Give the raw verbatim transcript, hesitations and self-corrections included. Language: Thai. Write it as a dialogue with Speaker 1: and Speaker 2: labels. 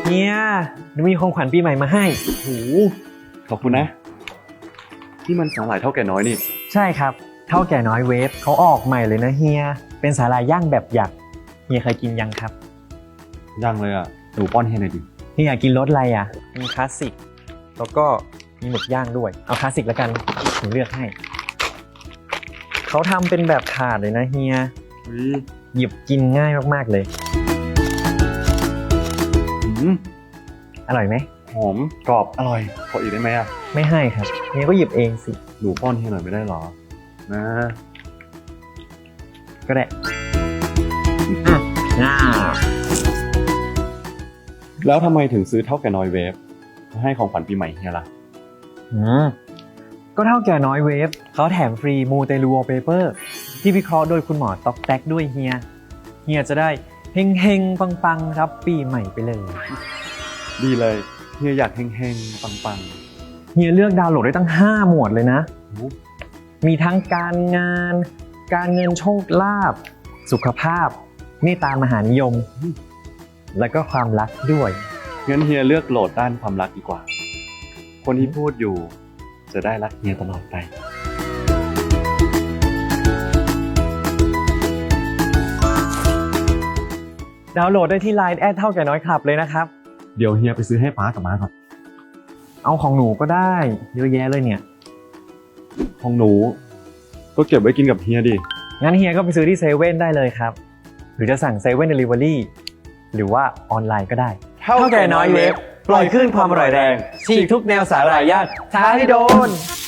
Speaker 1: เฮียหนูมีของขวัญปีใหม่มาให้
Speaker 2: โอ้โหขอบคุณนะที่มันสาหร่ายเท่าแก่น้อยนี่
Speaker 1: ใช่ครับเท่าแก่น้อยเวฟเขาออกใหม่เลยนะเฮียเป็นสาหร่ายย่างแบบหยักเฮียเคยกินยังครับ
Speaker 2: ยังเลยอ่ะหนูป้อนให้หน่อยดิ
Speaker 1: เฮียกินรสอะไรอ่ะมีคลาสสิกแล้วก็มีหมึกย่างด้วยเอาคลาสสิกแล้วกันหนูเลือกให้เขาทำเป็นแบบถาดเลยนะเฮีย
Speaker 2: อุ้ย
Speaker 1: หยิบกินง่ายมากๆเลย
Speaker 2: อืม
Speaker 1: อร่อยไหม
Speaker 2: หอมกรอบอร่อยขออีกได้ไหมอ่ะ
Speaker 1: ไม่ให้ครับเฮียก็หยิบเองสิ
Speaker 2: หนูป้อนให้หน่อยไม่ได้หรอนะ
Speaker 1: ก็ได้อ่ะง่า
Speaker 2: แล้วทำไมถึงซื้อเท่าแก่น้อยเวฟมาให้ของขวัญปีใหม่เฮียล่ะ
Speaker 1: อืมก็เท่าแก่น้อยเวฟเขาแถมฟรีมูเตลูวอลเปเปอร์ที่วิเคราะห์โดยคุณหมอต๊อกแต๊กด้วยเฮียเฮียจะได้เฮงเฮงปังปังๆรับปีใหม่ไปเลย
Speaker 2: ดีเลยเฮียอยากเฮงๆปัง
Speaker 1: เฮียเลือกดาวน์โหลดได้ตั้งห้าหมวดเลยนะ
Speaker 2: ๆโอ้
Speaker 1: มีทั้งการงาน การเงินโชคลาภสุขภาพเมตตามหานิยม แล้วก็ความรักด้วย
Speaker 2: งั้นเฮียเลือกโหลดด้านความรักดีกว่า คนที่พูดอยู่จะได้รักเฮียตลอดไป
Speaker 1: ดาวน์โหลดได้ที่ ไลน์ แอดเท่าแก่น้อยคลับเลยนะครับ
Speaker 2: เดี๋ยวเฮียไปซื้อให้ป้ากับม้าก่อน
Speaker 1: เอาของหนูก็ได้เยอะแยะเลยเนี่ย
Speaker 2: ของหนูก็เก็บไว้กินกับเฮียดิ
Speaker 1: งั้นเฮียก็ไปซื้อที่เซเว่นได้เลยครับ หรือจะสั่งเซเว่นเดลิเวอรี่หรือว่าออนไลน์ก็ได้
Speaker 2: เท่าแก่น้อยเวฟปล่อยคลื่นความอร่อยแรง
Speaker 1: ฉีกทุกแนวสาหร่ายย่างท้าให้โดน